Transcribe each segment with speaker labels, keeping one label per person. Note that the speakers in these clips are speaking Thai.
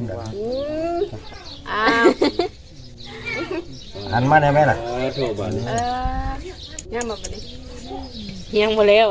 Speaker 1: อ้าว
Speaker 2: หันมาได้ไหมล่ะ
Speaker 3: โทรบ่นี่
Speaker 1: ย่ามาบ่นี้
Speaker 4: ยังบ่แล้ว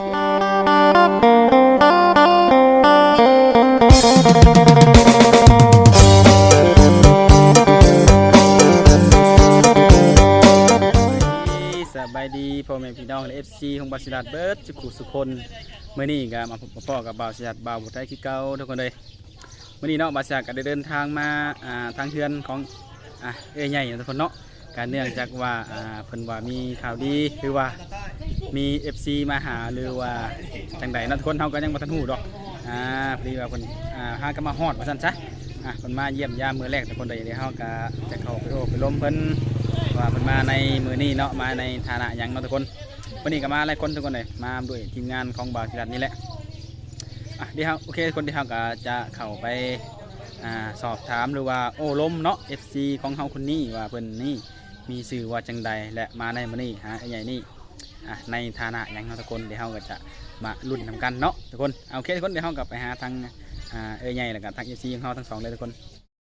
Speaker 5: สบายดีพ่อแม่พี่น้องและ FC ของบาสิลัดเบิร์ดสุขุสุคนเมื่อนี้ก็มาพบกับพ่อกับบาสิลัดบ่าวบุตรไทยคือเก่าทุกคนเลยเมื่อนี้เนาะบาสิลัดก็ได้เดินทางมาทางเฮือนของเอ้ยใหญ่ทุกคนเนาะการเนื่องจากว่าเพิ่นว่ามีข่าวดีหรือว่ามี FC มาหาหรือว่าจังใดเนาะทุกคนเฮาก็ยังบ่ทันฮู้ดอกพอดีว่าเพิ่นหากันมาฮอดว่าซั่นซะเพิ่นมาเยี่ยมยามมื้อแรกทุกคนเลยเดี๋ยวเฮาก็จะเข้าไปโอ้ไปล้มเพิ่นว่าเพิ่นมาในมื้อนี้เนาะมาในฐานะหยังเนาะทุกคนวันนี้ก็มาหลายคนทุกคนเลยมาด้วยทีมงานของบาสิลัดนี่แหละเดี๋ยวโอเคคนที่เฮาก็จะเข้าไปสอบถามหรือว่าโอ้ล้มเนาะ FC ของเฮาคนนี้ว่าเพิ่นนี่มีชื่อว่าจังใดและมาในมื้อนี้ไอ้ใหญ่นี่ในฐานะหยังเนาะทุกคนเดี๋ยวเฮาก็จะมาลุ้นนำกันเนาะทุกคนโอเคทุกคนเดี๋ยวเฮาก็ไปหาทางเอ้ยใหญ่แล้วก็ทาง FC ของเฮาทั้งสองเลยทุกคน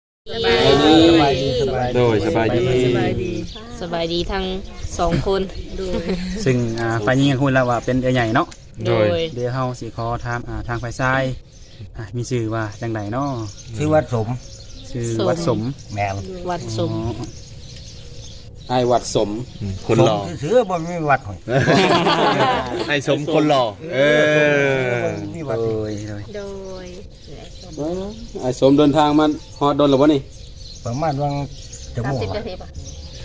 Speaker 3: โดยสบายดี
Speaker 4: สบายดีทั้ง2คน
Speaker 5: ซึ่งฝ่ายหญิงก็พูดแล้วว่าเป็นเอ้ยใหญ่เนาะ
Speaker 4: โดย
Speaker 5: เดี๋ยวเฮาสิขอถามทางฝ่ายชายมีชื่อว่าจังใดเนาะ
Speaker 2: ชื่อวัดสม
Speaker 5: ชื่อวัดสม
Speaker 2: แม่น
Speaker 4: วัดสม
Speaker 3: ไอ้วัดสมคนหล่อ
Speaker 2: ซื้อบ่มีวัดหอย
Speaker 3: ไอ้สมคนหล่อ
Speaker 2: มีวัด
Speaker 1: โดย
Speaker 3: ไอ้สมเดินทางมาฮอดโดนหรือบ่นี่
Speaker 2: ประมาณวังจะโมง
Speaker 1: 30นาทีป่ะ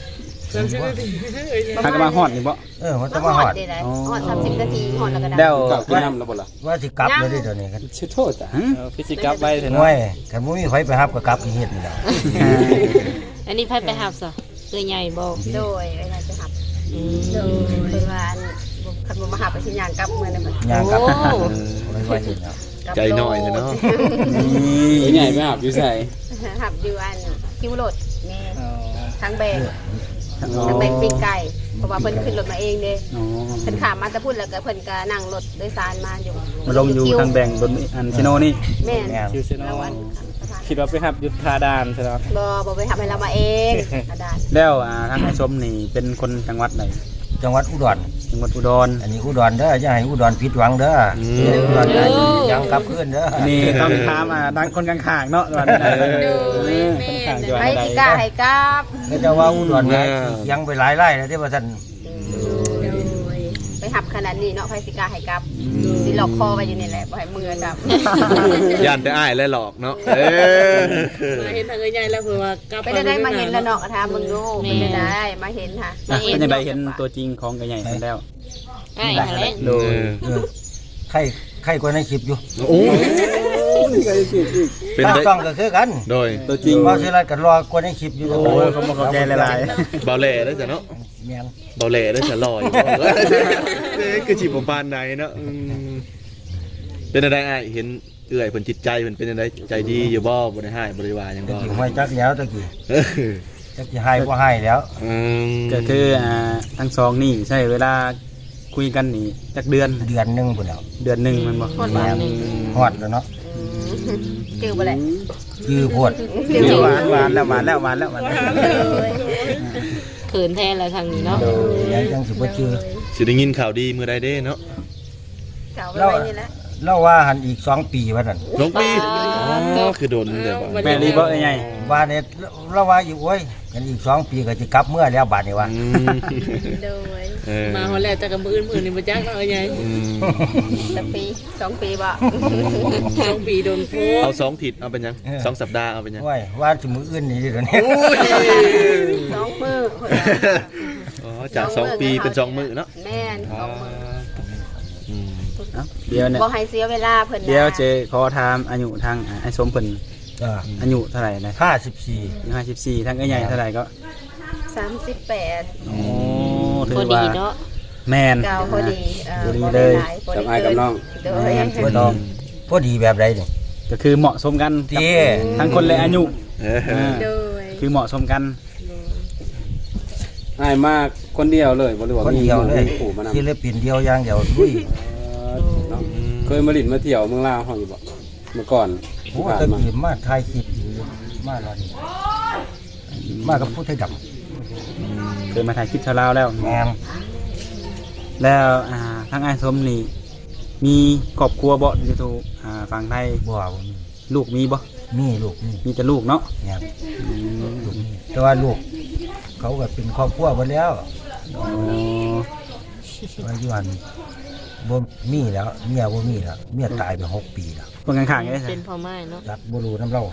Speaker 5: ทางก็มาฮอดนี่บ่
Speaker 2: มันจะมาฮอด
Speaker 1: ฮอด30นาทีฮอดแล้วก็ได้
Speaker 5: แล้ว
Speaker 3: กลับกินน้ำแล้วบ่ล่ะ
Speaker 2: ว่าสิกลับเลยเดี๋ยวนี้กัน
Speaker 3: ชื่อโทษจ้ะ
Speaker 5: ฟิสิกลับไปเถอะ
Speaker 2: น้
Speaker 5: เนาะ
Speaker 2: อยคันบ่มีไผไปรับก็กลับอีเฮ็ดนี่แหละ
Speaker 4: อันนี้ไผไปหับซะเอ้ยใหญ่บ่
Speaker 1: โดยเวลาจะหับโดยเพิ่นว่าคันบ่มาหับไปสิย่างกลับมื้อนั้น
Speaker 2: ย่างกลับไว้นี่แล้ว
Speaker 3: ใจหน่อยเนาะ
Speaker 5: นี่
Speaker 3: ใหญ่ไม่หับอยู่ใส่
Speaker 1: หับอยู่อันคิวรถนี่ทั้งแบกปิ้งไก่เพราะว่าเพิ่นขึ้นรถมาเองเด้เพิ่นข้ามมาแต่พูดแล้วก็เพิ่นก็นั่งรถโดยสารมาอยู่
Speaker 5: มาลงอยู่ทางแบ่งบนอันซิโนนี่
Speaker 1: แม่น
Speaker 5: ซิโนคิดว่าไปหับยุทธาดานใช่ไหม
Speaker 1: บ่ไปหับให้เรามาเองดาน
Speaker 5: แล้วทางไอ้ชมนี่เป็นคนจังหวัดไหน
Speaker 2: จังหวัดอุดรอันนี้อุดรเด้ออย่าให้อุดรผิดหวังเด้ออุดรยังกลับคืนเด้อ
Speaker 5: นี่ต้องถามดังคนข้างๆเนาะว่า
Speaker 1: คนข้างจังหวัดใดให้สิกล้าให้กลับ
Speaker 2: ก็จะว่าอุดรยังไปหลายไร่แล้วที่ว่าท่าน
Speaker 1: ไปหับขนาดนี้เนาะไผสิกล้าให้กลับสิหลอกคอไว้อยู่นี่แหละบ่ให้มือจับ
Speaker 3: ย่านแต่อ้ายและหลอกเนาะ
Speaker 4: มาเห็นทางเอ้ยใหญ่แล้วเพิ่นว่ากลับ
Speaker 1: ไปได้มาเห็นแล้วเนาะก็ถามมึงดูเป็นได้มาเห็นค่ะ
Speaker 5: เป็นจังได๋เห็นตัวจริงของไอ้ใหญ่แล้ว
Speaker 4: ได้แล้ว
Speaker 5: โดย
Speaker 2: ใครกว่าในคลิปอยู่
Speaker 3: โอ้
Speaker 2: เป็นได้ต้องก็คือกัน
Speaker 3: โดยตัวจริง
Speaker 2: ว่าสิรัดกันรอกว่าในคลิปอยู่
Speaker 5: โอ้ยเขาบ่เข้าใจหลาย
Speaker 3: ๆเบาแหล่ได้จ้ะเนาะ
Speaker 2: แม่น
Speaker 3: เบาแหล่ได้จ้ะลอยคือสิบ่ปานใดเนาะเป็นจังได๋อ้ายเห็นเอื้อยเพิ่นจิตใจเพิ่นเป็นจังได๋ใจดีอยู่บ่บ่ได้ให้บ่ได้ว่าหยังบ่
Speaker 2: ห้อยจักแล้วตะกี้จักสิให้บ่ให้แล้ว
Speaker 5: ก็คือทั้งสองนี่ใช้เวลาคุยกันนี่จักเดือน
Speaker 2: นึงพุ่นแล้ว
Speaker 5: เดือนนึงมันบ่
Speaker 2: ฮอดแล้วเนาะ
Speaker 1: จื้อบ่แหละ
Speaker 2: คือโพด
Speaker 5: หวานแล้ว
Speaker 4: เขินแท้แล้วทางนี้เนาะ
Speaker 2: ยังสิบ่ชื่อ
Speaker 3: สิได้ยินข่าวดีมื้อใดเด้เนาะ
Speaker 1: ข่าวไว้นี่แหละ
Speaker 2: เราว่าหันอีก2ปีว่านั่น
Speaker 3: 2ปีคือโดนเด้บ่
Speaker 5: แม่นดีบ่ใหญ่
Speaker 2: ว่าเนี่ยเราว่าอยู่โอ้ยกันอีก2ปีก็สิกลับเมื่อแล้วบัดนี้ว่า
Speaker 1: โดย
Speaker 4: มาฮอดแล้วแต่กับมื้ออื่นนี่บ่จักเนาะเอ้ยใหญ่
Speaker 1: สักปี2ปีบ่
Speaker 4: 2ปีโดนโพ
Speaker 3: เอา2ทิศเอาเป็นหยัง2สัปดาห์เอาเป็นหยัง
Speaker 2: โอ้ยว่าสิมื้ออื่นนี่เดี๋ยวนี้
Speaker 1: 2มื้อ
Speaker 3: อ๋อจาก2ปีเป็น2มื้อเนาะ
Speaker 1: แม่น2มื้อ
Speaker 5: เดี๋ยวเนี่ย
Speaker 1: บ่ให้เสียเวลาเพิ่น
Speaker 5: เดี๋ยวเจขอถามอายุทางไอ้สมเพิ่นอายุเท่าไหร่นะ54ทางไอ้ใหญ่เท่าไหร่ก็
Speaker 1: 38
Speaker 5: โอ้ถื
Speaker 4: อว่าเนาะ
Speaker 5: แม่น
Speaker 1: พอดี
Speaker 5: เลย
Speaker 3: กับอ้ายกับน้อง
Speaker 2: พอดีแบบใดนี่
Speaker 5: ก็คือเหมาะสมกันทั้งคนและอายุคือเหมาะสมกัน
Speaker 3: อ้ายมากคนเดียวเลยบ่หรือว่า
Speaker 2: มี
Speaker 3: ปู่มานำ
Speaker 2: ศิลปินเดียวอย่างเดียวลุย
Speaker 3: เคยมาลิ้นมาเที่ยวเมืองลาวเฮาอยู่บ่เมื่อก่อน
Speaker 2: โอ้ตะกี้มาถ่ายคลิปมาแล้วนี่มากับผู้ไทยด
Speaker 5: เคยมาถ่ายคลิปชาวลาวแล้ว
Speaker 2: ำแมน
Speaker 5: แล้วทางอ้ายสมนี่มีครอบครัวบ่อยู่ทูฝั่งไทย
Speaker 2: บ่าว
Speaker 5: ลูกมีบ่
Speaker 2: มีลูกมี
Speaker 5: มีแต่ลูกเนาะ
Speaker 2: แมนลูกมีแต่ว่าลูกเขาก็เป็นครอบครัวหมดแล้ว
Speaker 5: อ๋อ
Speaker 2: ว่าอยู่หันบ่มีแล้วเมียบ่มีแล้วเมียตายไป6 ปีแล้ว
Speaker 5: เพิ่นข้างๆได้
Speaker 4: เป็นพ่อไม้เนาะ
Speaker 2: จักบ่รู้น้ำเรา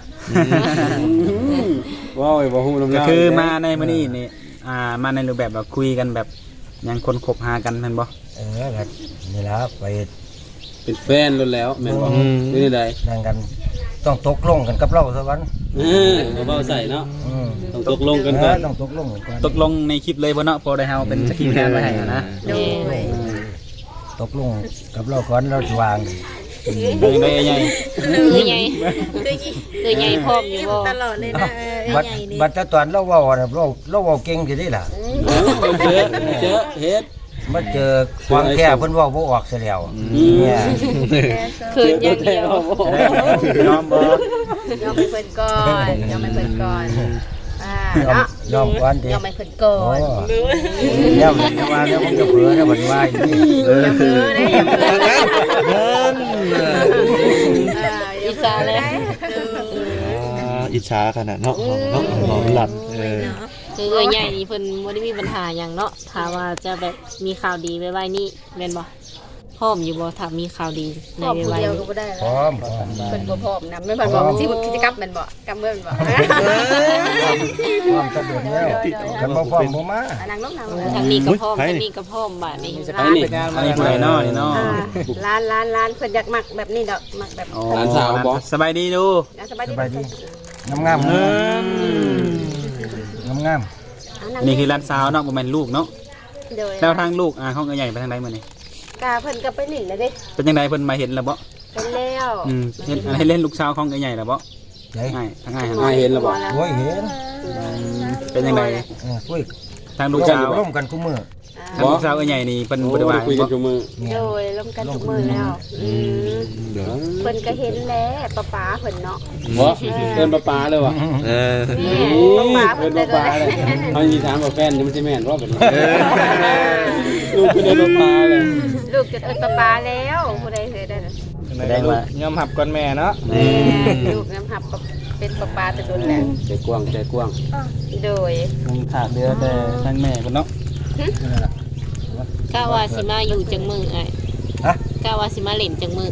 Speaker 3: ว้าวบ่ฮู้นำ
Speaker 5: ก็คือมาในมื้อนี้นี่มาในรูปแบบว่าคุยกันแบบยังคนคบหากันแม่นบ่
Speaker 2: ครับนี่ละไป
Speaker 6: เป็นแฟนแล้วแล้วแม่นบ่นี่ได้
Speaker 2: นั่งกันต้องตกลงกันกับเราซะวัน
Speaker 6: เอาเว้าใส่เนาะ
Speaker 2: อืม
Speaker 6: ต้องตกลงกันก่อน
Speaker 2: ต้องตกลงกันก่อน
Speaker 5: ตกลงในคลิปเลยบ่เนาะพอได้เฮาเป็นสกิปแทนไว้ให้นะ
Speaker 1: โดย
Speaker 2: ตกลงกับเราก่อนเราจะวาง
Speaker 5: เป็นได้ใหญ่
Speaker 4: คือใหญ่คือใหญ่พร้อมอยู่บ่
Speaker 1: ตลอดเลยนะ
Speaker 2: บัดแต่ตอนเราเว้าน่ะเราเว้าเก่งสิได้ล่ะ
Speaker 6: เจอเฮ็ด
Speaker 2: มาเจอความแค่เพิ่นเว้าบ่ออกซะแล้วเนี่ย
Speaker 4: คืออย่างเดียว
Speaker 5: ยอมบ่
Speaker 1: ยอมไปเพิ่นก่อนยอมไปเพิ่นก่อนเนาะ
Speaker 2: ยอมก่อนดิ
Speaker 1: ยอมไปเพิ่นก่อ
Speaker 2: โอ้
Speaker 1: น
Speaker 2: แล้วมันจะว่าแล้วมันจะเผลอแล้วมันว่าอย่างนี้
Speaker 1: อย่าเพ้อเด้อย่าเพ้อ
Speaker 3: นั่น
Speaker 1: อิจฉาเลย
Speaker 3: อิจฉาขนาดเนาะเนาะหอมหลับ
Speaker 4: คือใหญ่นี่เพิ่นบ่ได้มีปัญหาหยังเนาะถ้าว่าจะแบบมีข่าวดีไว้ๆนี่แม่นบ่พร้อมอยู่บ่ถ้ามีข่าวดีใน
Speaker 1: พร้อมผู้
Speaker 4: ไว้
Speaker 1: เดียวก็
Speaker 4: ๆ
Speaker 1: บ่ได้
Speaker 2: พ
Speaker 1: แล้ว
Speaker 2: ร้อม
Speaker 1: เพิ่นบ่พร้อมนะไม่เพิ่นบอกสิกิจกรรมแม่นบ่กำเมือนบ่
Speaker 2: พร้อมตะโดดแล้วกันบ่พร้อมบ่มา
Speaker 1: นั่งลงนั่งลง
Speaker 4: ทางนี้ก็พร้อมทางนี้ก็พร้อมบาดนี้
Speaker 5: อันนี้ผู้ใดเนาะนี่เนาะ
Speaker 1: ร้านเพิ่นอยากมักแบบนี้ดอกมักแบบ
Speaker 6: หลานสาวบ่
Speaker 5: สบายดีดู
Speaker 1: สบาย
Speaker 2: ส
Speaker 1: ดี
Speaker 2: บายดีงามงาม
Speaker 5: นี่คือร้านสาวเนาะบ่แม่นลูกเนาะ
Speaker 1: โดย
Speaker 5: แล้วทางลูกห้องใหญ่ไปทางใดมื้อนี้
Speaker 1: กาเพิ่นก็ไปหลินแล้วเด้
Speaker 5: เป็นจังไดเพิ่นมาเห็นแล้วบ่
Speaker 1: เป็นแล้ว
Speaker 5: เห็นให้เล่นลูกสาวของใหญ่แล้วบ่
Speaker 2: ใหญ่
Speaker 5: ง่ายทางง่าย
Speaker 6: อ้ายเห็นแล้วบ่
Speaker 2: โอ้ยเห็น
Speaker 5: เป็นจังได
Speaker 2: คุย
Speaker 5: ทางลูกสาว
Speaker 2: ร่วมกันกูมือ
Speaker 5: ทางลูกสาวใหญ่นี่เพิ่นบ่ได้ว่า
Speaker 6: คุยกันทุกมื้อ
Speaker 1: โดยร่วมกันทุกมื้อแล้วเพิ่นก็เห็นแล้วป้าเพิ่นเนาะ
Speaker 6: บ่เอิ้นป้าเลยว่ะ
Speaker 1: ป้า
Speaker 6: เอิ้
Speaker 1: เพิ่
Speaker 6: น
Speaker 1: น
Speaker 6: ป้าเลยเฮาสิถามว่าแฟนมันสิแม่นบ่บัดนี้ลูกเพิ่นเอิ้นป้าเลย
Speaker 1: ลูกจะเอิ้นป้าแล้วผู้ใดเคยได้
Speaker 5: แสดงว่าย
Speaker 7: อมหับก่อนแม่เนาะ
Speaker 1: ลูกน้ำหับเป็นป้าแต่โดนแล้ว
Speaker 6: ใจกว้างใจกว้าง
Speaker 1: โดย
Speaker 5: มันขาดเดือแต่ทางแม่เพิ่นเนาะ
Speaker 4: กะว่าสิมาอยู่จังมืออ้าย
Speaker 2: ฮะ
Speaker 4: กะว่าสิมาเล่นจังมือ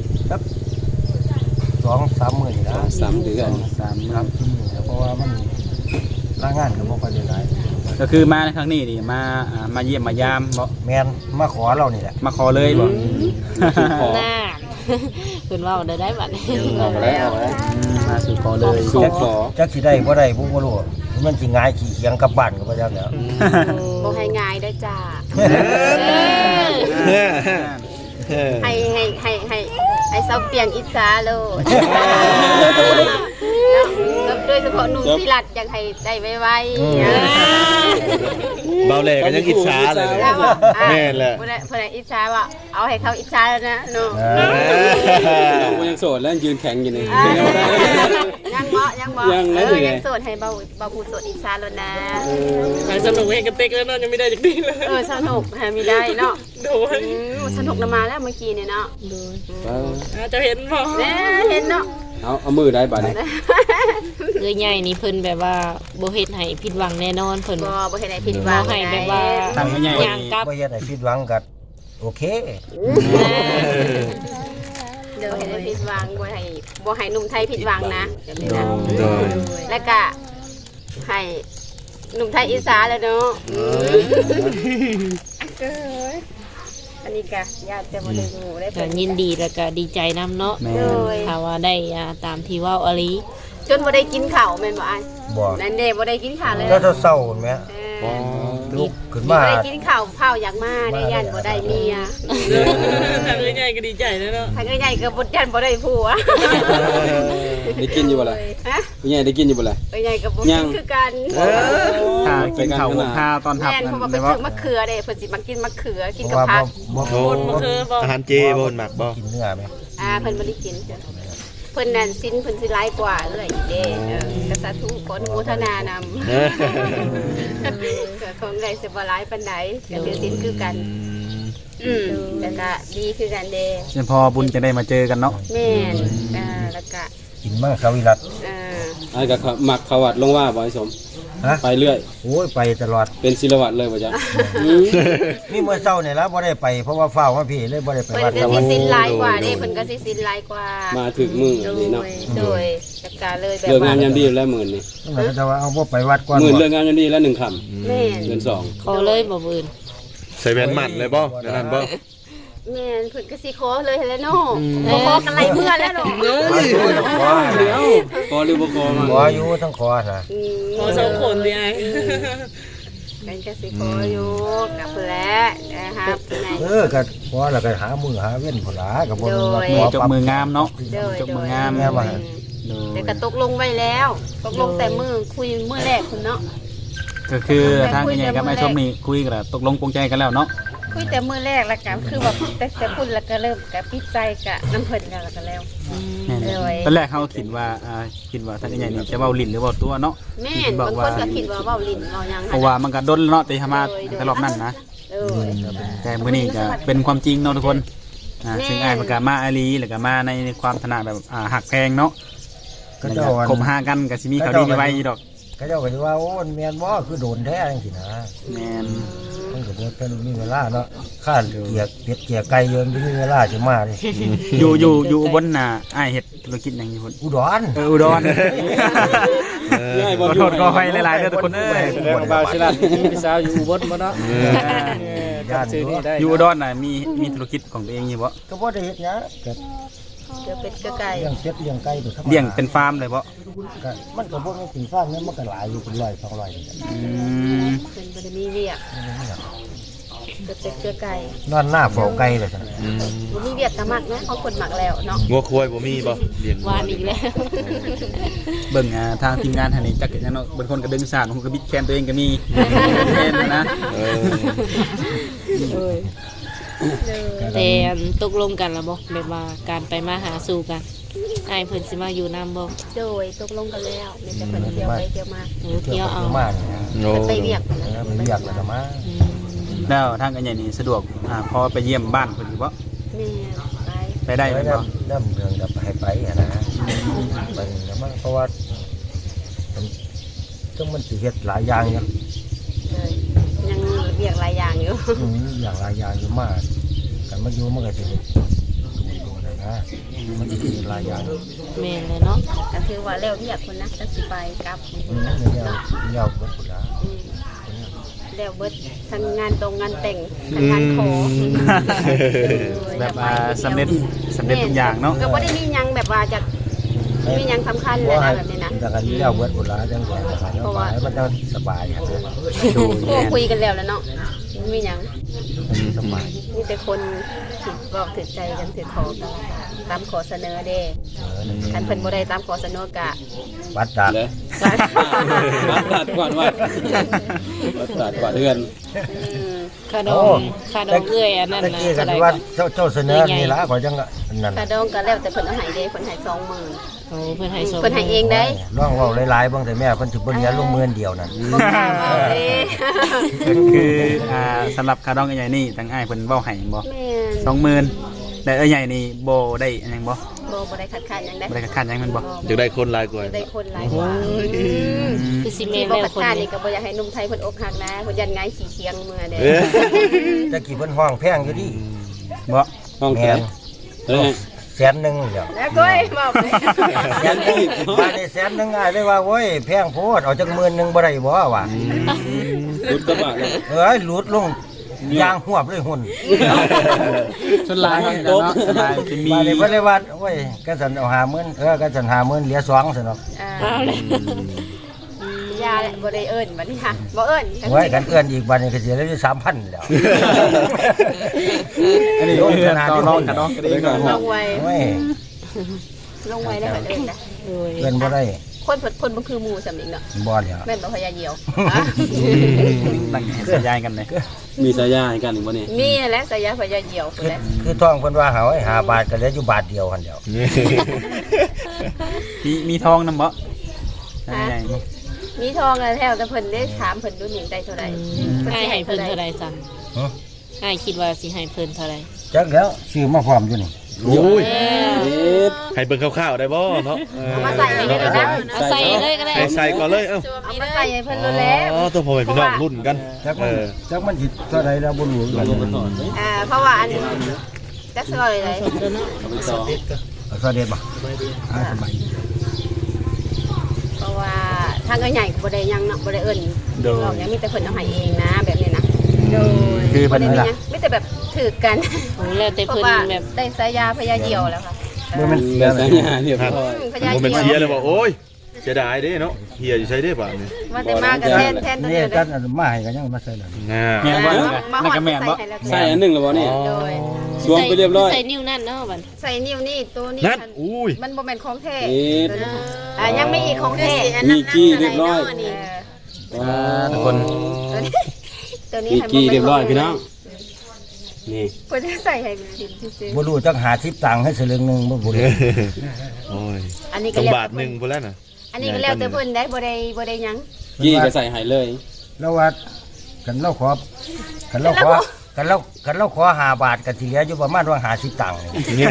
Speaker 2: 2-3 มื้อนี่นะ
Speaker 6: 3 เดือน
Speaker 2: 3ครับเพราะว่ามันลางานก็บ่ค่อยได้หลาย
Speaker 5: ก็คือมาในครั้งนี้นี่มาเยี่ยมมายามบ่
Speaker 2: แม่นมาขอเรานี่แหละ
Speaker 5: มาขอเลยบ่
Speaker 4: น่า เพิ่นเว้าได้บัดนี้
Speaker 6: เอาแล้วเอาแล้ว
Speaker 5: มาสู่ขอเลย
Speaker 6: สู่ขอ
Speaker 2: จักสิได้บ่ได้ผมบ่รู้มันสิง่ายขี้เคียงกลับบ้านก็บ่จักแล้ว
Speaker 1: บ่ให้ง่ายได้จ้าให้เซาเปียงอิสาโลดโดยเฉพาะหนุ่มพิรัตอยากให้ได้ไวๆ
Speaker 3: เบาแหล่ก็ยังอิจฉาเลยแม่นแหละ
Speaker 1: เพื่อนอิจฉาว่าเอาให้เขาอิจฉาแล้วนะหนู
Speaker 6: กูยังโสดแล้วยืนแข็งอยู่นี่
Speaker 1: ยังเหมาะยังเหมาะ
Speaker 6: ยังนะ
Speaker 1: ยังโสดให้เบาผู้โสดอิจฉาแล้วนะ
Speaker 7: สนุกเองกันเต็กแล้วเนาะยังไม่ได้จากนี้เลย
Speaker 1: สนุกฮะมีได้เนาะ
Speaker 7: โดย
Speaker 1: สนุกมาแล้วเมื่อกี้เนี่ยเนาะ
Speaker 7: จะเห็นบ่
Speaker 1: เนี่ยเห็นเนาะ
Speaker 6: เอามือได้บัดนี้
Speaker 4: คือใหญ่นี่เพิ่นแบบว่าบ่เฮ็ดให้ผิดหวังแน่นอนเพิ่น
Speaker 1: บ่เห็นไหนผิดหวัง
Speaker 4: บ่ให้แบบว่า
Speaker 5: ทางใหญ่
Speaker 4: ย่างกลับ
Speaker 2: บ่เฮ็ดให้ผิดหวังก็โอเค
Speaker 1: เดี๋ยวเห็นไหนผิดหวังบ่ให้หนุ่มไทยผิดหวังนะ
Speaker 3: โดย
Speaker 1: แล้วก็ให้หนุ่มไทยอิสาแล้วเนาะอันนี้ก็ญาติจะมาดูได้
Speaker 4: ก็ยินดีแล้วก็ดีใจนํเนาะ
Speaker 5: แม่
Speaker 1: โดย
Speaker 4: ถ้าว่าได้ตามที่เว้าอลี
Speaker 1: จนบ่ได้กินข้าวแม่นบ่อ้าย
Speaker 2: บ่
Speaker 1: นั่นเด้บ่ได้กินข้าวเลย
Speaker 2: แล้วเศร้าๆเห็นไหมลุกขึ้นมา
Speaker 1: บ่ได้กินข้าวเผาอยากมาได้ยันบ่ได้เมีย
Speaker 7: ทางใหญ่ก็ดีใจแล้วเนาะ
Speaker 1: ทางใหญ่ก็บ่ยันบ่ได้ผัว
Speaker 6: ได้กินอยู่บ่ล่ะ
Speaker 1: ฮะ
Speaker 6: ผู้ใหญ่ได้กินอยู่บ่ล่ะ
Speaker 1: ใหญ่ก็บ่กินคือกัน
Speaker 5: ถ้ากินข้าวข้าวตอนทับ
Speaker 1: แม่น
Speaker 5: นั่น
Speaker 1: เพราะว่าไป
Speaker 5: ได้
Speaker 1: ซื้
Speaker 5: บ่
Speaker 1: อมะเขือเด้เพิ่นสิมากินมะเขือกิน
Speaker 2: เพ
Speaker 1: กับ
Speaker 2: ราะว่า
Speaker 1: ผัก
Speaker 2: บ่
Speaker 7: บนมาคือบ่
Speaker 3: อาหารเจบ่หมักบ่
Speaker 2: กินเนื้อไหม
Speaker 1: เพิ่นบ่ได้กินเพิ่นนั่นสิ้นเพิ่นสิหลายกว่าเอ้ยเด้ก็สาธุขออนุโมทนานำก็ของได้สิบ่หลายปานใดก็ถือสิ้นคือกันแล้วก็ดีคือกันเด้
Speaker 5: เดี๋ยวพอบุญจะได้มาเจอกันเนาะ
Speaker 1: แม่นแล้วก็
Speaker 2: กินมั่งสวิรัต
Speaker 6: ไอ้ก็มักเขาวัดลงว่าบ่ไอ้สมไปเรื่อย
Speaker 2: โอ้ยไปตลอด
Speaker 6: เป็นศิลวัตเลยบ่จ๊ะ
Speaker 2: นี่เมื่อเช้าเนี่ยแล้วบ่ได้ไปเพราะว่าเฝ้ามาพี่เลยบ่ได้ไป
Speaker 1: เพิ่น
Speaker 2: วัด
Speaker 1: ก็สิสิ้นหลายกว่าเด้เพิ่นก็สิสิ้นหลายกว่า
Speaker 6: มาถึงมื้อนี่เนาะ
Speaker 1: โดยจัดการเลยแบบ
Speaker 6: เลิกงาน
Speaker 1: ว่าย
Speaker 6: ามดีแล้วมื้อนี้
Speaker 2: มันก็จะว่าเอาบ่ไปวัดก่อน
Speaker 6: มื้อเลิกงานยามดีแล้ว1ค่ำ
Speaker 1: แม่น
Speaker 6: เดือน2
Speaker 4: ขอเลยบ่มื้ออื่น
Speaker 3: ใส่แว่นหมัดเลยบ่นั่นบ่
Speaker 1: แม่นเพิ่นก็สิขอเลยแหละเนาะบ่ขอกันไรเมื่อแล้วเนาะ
Speaker 2: ขอ
Speaker 6: เดี๋ยวพอหรือบ่พอมา
Speaker 2: ขออยู่ทั้งขอนะ
Speaker 7: ขอสองคนดิไอ้
Speaker 1: กันก็สิขออยู่กับเพิ่นแหละนะครับไหน
Speaker 2: ก็ขอแล้วก็หามือหาเว้นพุ่นล่ะก็บ่รู้ว่า
Speaker 1: โดย
Speaker 2: ขอ
Speaker 5: จบมืองามเนาะ
Speaker 1: โดย
Speaker 5: จบ
Speaker 1: โด
Speaker 5: มือย งาม
Speaker 2: แม่ว่า
Speaker 1: แต่ก็ตกลงไว้แล้วตกลงแต่มือคุยมือแรกคุณเนาะ
Speaker 5: ก็คือทางใหญ่กับไอ้ชมนี่คุยกันแล้วตกลงปรงใจกันแล้วเนาะ
Speaker 1: คุยแต่มือแรกแล้วกันคือแบบแต่พูดแล้วก็เริ่มกับปิดใจกับน้ำเพิ่นแล้วก็แล้ว
Speaker 5: แม่น
Speaker 1: เลย
Speaker 5: ตอนแรกเขาคิดว่าทางใหญ่นี่จะเว้าลิ้นหรือเว้าตัวเนาะ
Speaker 1: แม่นบางคนก็คิดว่าเว้าลิ้นเว้าหยัง
Speaker 5: เพราะว่ามันก็ดนเนาะแต่มาแต่รอบนั้นนะ
Speaker 1: เออ
Speaker 5: แต่มื้อนี้ก็เป็นความจริงเนาะทุกคน
Speaker 1: แม่
Speaker 5: ซึ่งอ้ายมันก็มาอาลีแล้วก็มาในความถนัดแบบหักแพงเนาะ
Speaker 2: ก็เจ้า
Speaker 5: คมหากันก็สิมีข่าวดีในไว้อยู่ดอก
Speaker 2: ก็เจ้าก็สิว่าโอ้แม่นบ่คือโดนแท้จังซี่นะ
Speaker 5: แม่น
Speaker 2: มันก็บ่ทันมีเวลาเนาะข้านเกียกเป็ดเกียกไก่เยินบ่มีเวลาสิมาดิ
Speaker 5: อยู่อุบลน่ะอ้ายเฮ็ดธุรกิจหยังอยู่พุ่น
Speaker 2: อุดร
Speaker 5: อุดร
Speaker 6: ง่ายบ่
Speaker 5: ขอโทษขออภัยหลายๆเด้อทุกคนเอ้ย
Speaker 6: แสดงว่าบ่าวศิลามีพี่สาวอยู่อุบลบ่เนาะ
Speaker 2: ย่าน
Speaker 6: ชื่อ
Speaker 2: นี้
Speaker 6: นี้ได้
Speaker 5: อยู่อุดรน่ะมีธุรกิจของตัวเองอยู่บ่
Speaker 2: ก็บ่ได้เฮ็ดหยังก็
Speaker 1: เดี๋ยวเป็ดก็ไก่
Speaker 2: เลี้ยงเป็ดเลี้ยงไก่ตัวธรรมดา
Speaker 5: เลี้ยงเป็นฟาร์มเลยบ่
Speaker 2: ก็มันก็บ่แม่นสิฟาร์มเนี่ยมันก็หลายอยู่เป็น100 200นี่แหละ
Speaker 1: เพิ่นบ่ได้มีเวียกเดี๋ยวเป็ดก็ไก่
Speaker 2: นอนหน้าเฝ้าไก่เลยซั่น
Speaker 1: บ่มีเวียกก็มักนะเขาคนมักแล้วเนาะ
Speaker 3: งัวควายบ่มีบ่เลี้ยง
Speaker 4: วานอีกแล้ว
Speaker 5: เบิ่งทางทีมงานทางนี้จักจังเนาะบางคนก็ดึงสารบางคนก็บิดแคนตัวเองก็มีแคนนะ
Speaker 4: แต่ตกลงกันแล้วบ่แบบว่าการไปมาหาสู่กันอ้ายเพิ่นสิมาอยู่นํบ่
Speaker 1: โดยตกลงกันแล้วมีแต่เพิ่นเที่ยวไปเที่ยวมา
Speaker 4: เที่ยวเอา
Speaker 2: มาเนี่ยนะ
Speaker 3: โอ้
Speaker 1: เพิ่นไปเวียก
Speaker 2: ไปเรียกแล้วก็มา
Speaker 5: แล้วทางกันใหญ่นี่สะดวกพอไปเยี่ยมบ้านเพิ่นอยู่บ่
Speaker 1: แม่ไป
Speaker 5: ไปได้
Speaker 2: ไป
Speaker 5: แม่นบ่
Speaker 2: เริ่มเดือนกับให้ไปอะนะไปแล้วมันเพราะว่าต้องมันสิเฮ็ดหลายอย่างอยู่
Speaker 1: เลยยังเวียกหลายอย่างอยู่
Speaker 2: อย่างหลายอย่างอยู่มากกันมาอยู่มันก็สิเฮ็ดดูๆนะมันสิเฮ็ดหลายอย่าง
Speaker 4: แม่นเลยเนาะ
Speaker 1: ก็คือว่าแล้วเวียกคนนะก็สิไปกลับ
Speaker 2: เลี้ยวเบิดพุ่นละ
Speaker 1: แล้วเบิดทั้งงานตรงงานแต่งทั้งงานขอ
Speaker 5: แบบสำเร็จทุกอย่างเนาะ
Speaker 1: ก็บ่ได้มีหยังแบบว่าจะมีหยังสำคัญเลยนะแบบนี้นะ
Speaker 2: แต่กันเลี้ยวเบิดพุ่นละจังหวะแล้วไปมันจะสบายครับ
Speaker 1: โอ้คุยกันแล้วเนาะมีหยัง
Speaker 2: มันสบาย
Speaker 1: มีแต่คนถือบอกถือใจกันถือขอกันตามขอเสนอเด้คันเพิ่นบ่ได้ตามขอเสนอกะ
Speaker 2: วัดดัก
Speaker 6: เลยวัดตัดกวาดวัดตัดกวาดเดือน
Speaker 4: คาดองเอื้อยอันนั้น
Speaker 2: ตะ
Speaker 4: นะ
Speaker 2: กี้กั
Speaker 4: เท่าน ใด
Speaker 2: ว่า
Speaker 4: ก่อน
Speaker 2: เจ้าเสนอนี่ละขอจังนั่น
Speaker 1: กระดองก็แล้วแต่เพิ่นเอาให้เด้เพิ่นให้20,000
Speaker 4: โอ้เพิ่นให้ส่ง
Speaker 1: เพิ่นให้เองได้
Speaker 2: ร้องเว้าหลายๆบางแต่แม่เพิ่นสิบ่เหลือลงมือเดียวนั่น
Speaker 1: บ่กล้าเว้าเด้
Speaker 5: ก็คือสำหรับคาดองใหญ่นี่ทางอ้ายเพิ่นเว้าให้บ่
Speaker 1: แม่น
Speaker 5: 20,000แต่ใหญ่นี่บ่ได้อันหยังบ่
Speaker 1: บ่ได้คัดค้านหยังได้
Speaker 5: บ่ได้คัดหยังแม่นบ่
Speaker 3: อยากได้คนหลายกว่า
Speaker 1: ได้คนหลายกว่า
Speaker 4: คือสิ
Speaker 1: มี
Speaker 4: แม่น
Speaker 1: บ่
Speaker 4: แล้ว
Speaker 1: คัด
Speaker 4: คน
Speaker 1: ค้าน
Speaker 4: นี้
Speaker 1: นี่ก็บ่อยากให้หนุ่มไทยเพิ่นอกหักนะเพิ่นยันง่ายขี้เคียงเมื่อเด้
Speaker 2: ตะกี้เพิ่นห้องแพงอยู่ดิ
Speaker 5: บ่
Speaker 6: ห้องแข
Speaker 2: แม่
Speaker 6: น
Speaker 2: น
Speaker 6: แล้วไง
Speaker 2: 100,000เดียว
Speaker 1: แล้วก้อยบอกเลย
Speaker 2: แสนนึงบาทได้100,000ง่ายเลยว่าโอ้ยแพงโพดเอาจัก10,000บ่ได้บ่วะ
Speaker 6: รุดกระบะเลย
Speaker 2: หลุดลงยางหวบเลยหุ่น
Speaker 5: ส่วนหลายเนาะส่วนหลายจะมี
Speaker 2: บาดนี้เพิ่นเลยว่าโอ้ยก็สันเอา50,000ก็สัน50,000เหลือ2ซั่นเนาะ
Speaker 1: ยาแหละบ่ได้เอิ้นบัดนี้ค่ะบ่เอิ้น
Speaker 2: ไว้กันเอื้อนอีกบาดนี้ก็สิเหลืออยู่3,000แล้ว
Speaker 5: อันนี้เพื่อนต่อรองกันเนาะก็ได้
Speaker 1: ลงไว้
Speaker 2: โอ้ย
Speaker 1: ลงไว้แล้วก็เอิ้นนะ
Speaker 4: โดย
Speaker 2: เอื้อนบ่ได้
Speaker 1: คนบ่คือหมู่ซำอีกเนาะ
Speaker 2: บ่แล้ว
Speaker 1: แม่นบ่พยาเหี่ยว
Speaker 5: ตั้งสัญญาณกันเลย
Speaker 6: มีสายยาให้กันอีกบ่นี่
Speaker 1: มีนั่นแหละสายาพยาเหี่ยวพุ่นแหละ
Speaker 2: คือท้องเพิ่นว่าหาไว้5บาทก็เหลืออยู่บาทเดียวหั่นเดียว
Speaker 5: มีทองนำบ่ใหญ่ๆบ่
Speaker 1: มีทองแล้วแถวแต่เพิ่นได้ถามเพิ่นดูหนิได้เท่าไหร่
Speaker 4: อ้ายให้เพิ่นเท่าใดสั่ง
Speaker 2: ฮะ
Speaker 4: อ้ายคิดว่าสิให้เพิ่นเท่าใด
Speaker 2: จักแล้วซื้อมาพร้อมอยู่นี่
Speaker 3: โอ้ย
Speaker 4: เออ
Speaker 3: ให้เบิ่งคร่าวๆได้บ่เนาะ
Speaker 1: เอามาใส่ให้เลยนะ
Speaker 4: เอาใส่เลยก็ได้
Speaker 3: ให้ใส่ก่อนเลยเอ้า
Speaker 1: เอามาใส่ให้เพิ่นรู้แล้ว
Speaker 3: อ๋อตัวพ่อแม่พี่น้องรุ่นกัน
Speaker 2: จักมันจักมันสิเท่าใดแล้วบ่รู้กัน
Speaker 1: เพราะว่าอันจักซอยเลย
Speaker 2: เอาซะเด็ดบ่สบาย
Speaker 1: เพราะว่าทางก็ใหญ่ก็บ่ได้ยังเนาะบ่ได้เอิ้นเราเนี่ยมีแต่เพิ่นเอาให้เองนะแบบนี้นะโดย
Speaker 5: คือ
Speaker 1: บ่
Speaker 5: เพิ่น
Speaker 1: ได้มี
Speaker 5: ล่ะ
Speaker 1: หยังมีแต่แบบถือกัน
Speaker 4: โอ้แล้วแต่
Speaker 1: เพ
Speaker 4: เพิ่
Speaker 1: ราะ
Speaker 4: น
Speaker 1: ว่า
Speaker 4: แบบ
Speaker 1: ได้สายยาพยาเหี่ยวแล้วค่ะ
Speaker 2: บ่แม่น
Speaker 6: เดี๋ยวสัญญาเรียบร้อย
Speaker 1: พยา
Speaker 3: บ่
Speaker 1: เหี่
Speaker 3: แม่น
Speaker 1: ยว
Speaker 3: เชียร์เลยว่าโอ้ยเสียดายเด้เนาะเฮียอยู่ใช้ได้ป่ะนี่
Speaker 1: ว่าแต่มากับแทนตัว
Speaker 2: นี่
Speaker 1: เดียวเล
Speaker 2: กั
Speaker 1: ย
Speaker 2: นมาให้กันยังมาใส่แล้ว
Speaker 3: น่า
Speaker 5: แม่นบ่นั่นก็แม่นบ่
Speaker 6: ใส่อันหนึงแล้วบ่นี่
Speaker 1: โดย
Speaker 6: สวมไปเรียบร้อย
Speaker 4: ใส่นิ้วนั่นเนาะบัด
Speaker 1: ใส่นิ้วนี่ตัวนี้
Speaker 3: นั่นอุ้ย
Speaker 1: มันบ่แม่นของแท้
Speaker 6: เอ็ด
Speaker 1: ยังไม่อีกของแท้
Speaker 6: มีกี้เรียบร้อย
Speaker 5: ทุกคน
Speaker 1: ตัวนี้
Speaker 6: มีกี้เรียบร้อยพี่น้องนี่
Speaker 1: เพิ่นจะใส่ให้ดินซื่อ
Speaker 2: บ่รู้จัก50ตังค์ให้สลึงนึงบ่รู้
Speaker 3: โอ้ย
Speaker 1: ๆอันนี้
Speaker 3: ส
Speaker 1: ก็
Speaker 3: อง
Speaker 1: แล้ว
Speaker 3: บาทหนึงพุ่นแล้วน่ะ
Speaker 1: อันนี้ก็แล้วแต่เพิ่นได้บ่ได้หยัง
Speaker 6: กี้ก็ใส่ให้เลย
Speaker 2: แล้วว่ากันเราขอกันเราขอกันเราขอ5บาทก็สิเหลืออยู่ประมาณว่า50ตังค์นี่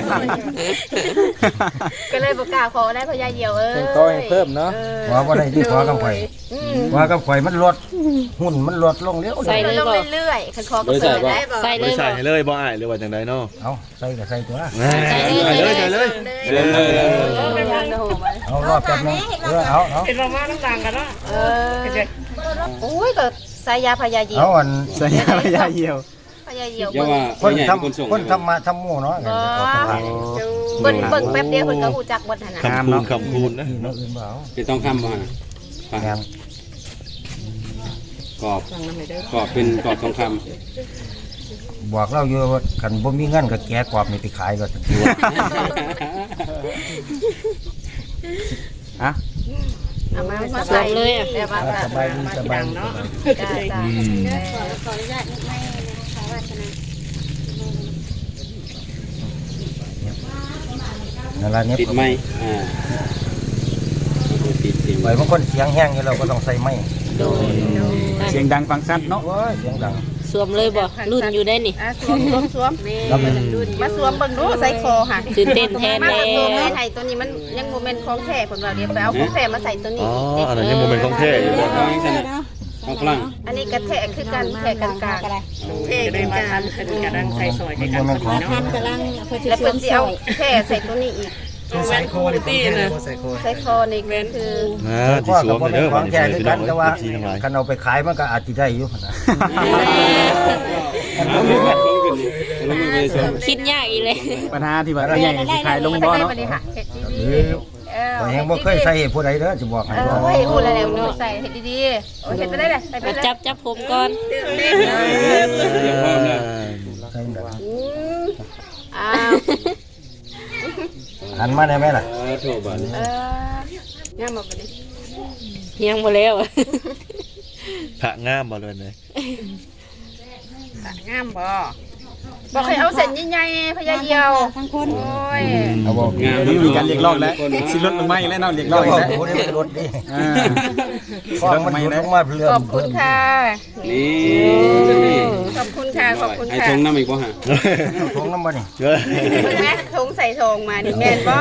Speaker 1: ก็เลยบ่กล้าขอได้พยาเหี่ยวเอ้ย
Speaker 5: ก็ให้เพิ่มเนาะ
Speaker 2: ขอบ่ได้ที่ขอกับข่อยขอกับข่อยมันลดหุ้นมันลดลงเร็ว
Speaker 4: ใส่เลย
Speaker 1: ลง
Speaker 4: บ่
Speaker 1: เรื่อยๆคันขอก็ใส่ได้บ่
Speaker 4: ใส่เล
Speaker 3: บ่
Speaker 4: ย
Speaker 3: ใส่
Speaker 4: บ่
Speaker 3: ให้เลยบ่อ้ายหรือว่าจังไดเนาะ
Speaker 2: เอาใส่ก็ใส่ตัว
Speaker 3: ใส่เลยใส่เลย
Speaker 6: เรียบร้อยแล้ว
Speaker 2: เอารอบแป๊บนึงเอา
Speaker 7: เป็นมาม่าน้ำตาลกันเนาะ
Speaker 1: โอ้ยก็ใส่ยาพยาเหี่ย
Speaker 2: เอา
Speaker 1: ว
Speaker 2: อัน
Speaker 5: ใส่ยาเหี่ยว
Speaker 1: พยาเหี่ยว
Speaker 6: อย่าว่า
Speaker 2: คน
Speaker 6: ใหญ่
Speaker 2: ท
Speaker 6: เป็นคนส่ง
Speaker 2: ำคนทำมาทำหมู่เนาะ
Speaker 1: เบิ่งแป๊บเดียวเพิ่นก็ฮู้จักบ่ทันน่ะ
Speaker 3: คำคูณนะ
Speaker 2: นี่เนาะอื่นบ่เอา
Speaker 6: เป็นต้องคำบ่ฮะ
Speaker 2: งาน
Speaker 6: กรอบเป็นกรอบทองค
Speaker 2: บอกเราอยู่ว่าคันบ่มีเงินก็แกะกรอบนี่ไปขายก็ทันที
Speaker 5: อ่ะ
Speaker 1: เอามาใส่เลยแบบว่า
Speaker 2: สบายดีสบายดี
Speaker 1: จ้า
Speaker 2: นั่นล่ะเนี่ย
Speaker 6: ำติดไหมติด
Speaker 2: ไว้บางคนเสียงแห้งอยู่เราก็ต้องใส่ไม้
Speaker 4: โดย
Speaker 5: เสียงดังฟังชัดเนาะ
Speaker 2: โอ้ยเสียงดัง
Speaker 4: สวมเลยบ่รุ่นอยู่ได้นี่
Speaker 1: สวมมาสวมเบิ่งดูใส่คอค่ะ
Speaker 4: ตื่นเต้นแทน
Speaker 1: มา
Speaker 4: แล้
Speaker 1: สวม
Speaker 4: ว
Speaker 1: ให้ไทยตัวนี้มันยังบ่แม่นของแท้เพิ่นว่าเดี๋ยวไปเอาของแท้มาใส่ตัวนี้
Speaker 3: อ๋ออันนั้นยังโมเมนต์ของแท้อยู่บ่
Speaker 6: เอาอย่างนั้นนะเอาพลัง
Speaker 1: อันนี้กระแทกคือกันแทกกันกลาง
Speaker 7: เท่ได้มาทันเป็นกระดังใส่ซอย
Speaker 2: มัน
Speaker 7: กัน
Speaker 2: บ่แม่นของ
Speaker 8: ท่านกำลังเพื่อที่
Speaker 1: แล้ว
Speaker 8: สว
Speaker 1: เพิ่น
Speaker 8: ม
Speaker 1: สิ
Speaker 8: ใส่
Speaker 1: เอาแท้ใส่ตัวนี้อีก
Speaker 7: ใส่โคลิตี้นะ
Speaker 1: ใส่คอนี่ก็คือ
Speaker 3: ที่
Speaker 2: ข้อ
Speaker 3: ส
Speaker 2: กั
Speaker 3: ว
Speaker 2: บ
Speaker 3: ม
Speaker 2: บ่
Speaker 3: เด้
Speaker 2: แม่
Speaker 3: อน
Speaker 2: ข
Speaker 3: บั
Speaker 2: อ
Speaker 3: ด
Speaker 2: ง
Speaker 3: นี้
Speaker 2: แท้คือ
Speaker 3: พี่น้
Speaker 2: กั
Speaker 3: อน ง
Speaker 2: แต่ว่า
Speaker 3: ทีทั้งหลาย
Speaker 2: คันเอาไปขายมันก็อาจสิได้อยู่นะ
Speaker 6: เอาเรื่องลงขึ้นนี่ลงไปส่ง
Speaker 4: คิดยากอีเลย
Speaker 5: ปัญหาที่ว่าใหญ่สิขายลงบ่เนาะ
Speaker 1: บัดนี้ค่ะเฮ็ดดี
Speaker 2: ข่อยยังบ่เคยใส่ให้ผู้ใดเด้อสิบอกให้
Speaker 1: โอ้ยพูดแล้วเนาะใส่เฮ็ดดีๆโอ้ยเฮ็ดไปได้เลยไป
Speaker 4: มา
Speaker 1: เลย
Speaker 4: จับผมก่อน
Speaker 6: เดี๋ยวพร้อมแล้ว
Speaker 2: ใส่แบบ
Speaker 1: อ้าว
Speaker 2: หันมาได้ไหมล่ะ
Speaker 6: โทษบัดนี้
Speaker 1: ย่ามาบัดนี้
Speaker 4: ยังบ่แล้ว
Speaker 3: พระงามบ่เลยนะ
Speaker 1: งามบ่บอกให้เอาเส้นใหญ่ๆพยาเหี่ยว
Speaker 8: ทั้งคน
Speaker 1: โอ้ย
Speaker 2: เอาบอก
Speaker 6: งาม
Speaker 5: นี่มีการเรียกร้องแล้วสิลดลงมาอีกแล้วเนาะเรียกร้องอีกแล้ว
Speaker 2: ผู้ใดมันลดดิ
Speaker 5: อ่า
Speaker 2: ข้อมันลดลงมาเรื่อย
Speaker 1: ขอบคุณค่ะ
Speaker 6: นี่
Speaker 1: ขอบคุณค่ะ ขอบคุณ
Speaker 6: ไอ้
Speaker 1: ค่ะ
Speaker 6: ทงน้ำอีกบ่ฮะ
Speaker 2: ทงน้ำบ่นี่
Speaker 3: เยอะ
Speaker 1: คุณแม่ทงใส่ทงมานี่แม่นบ่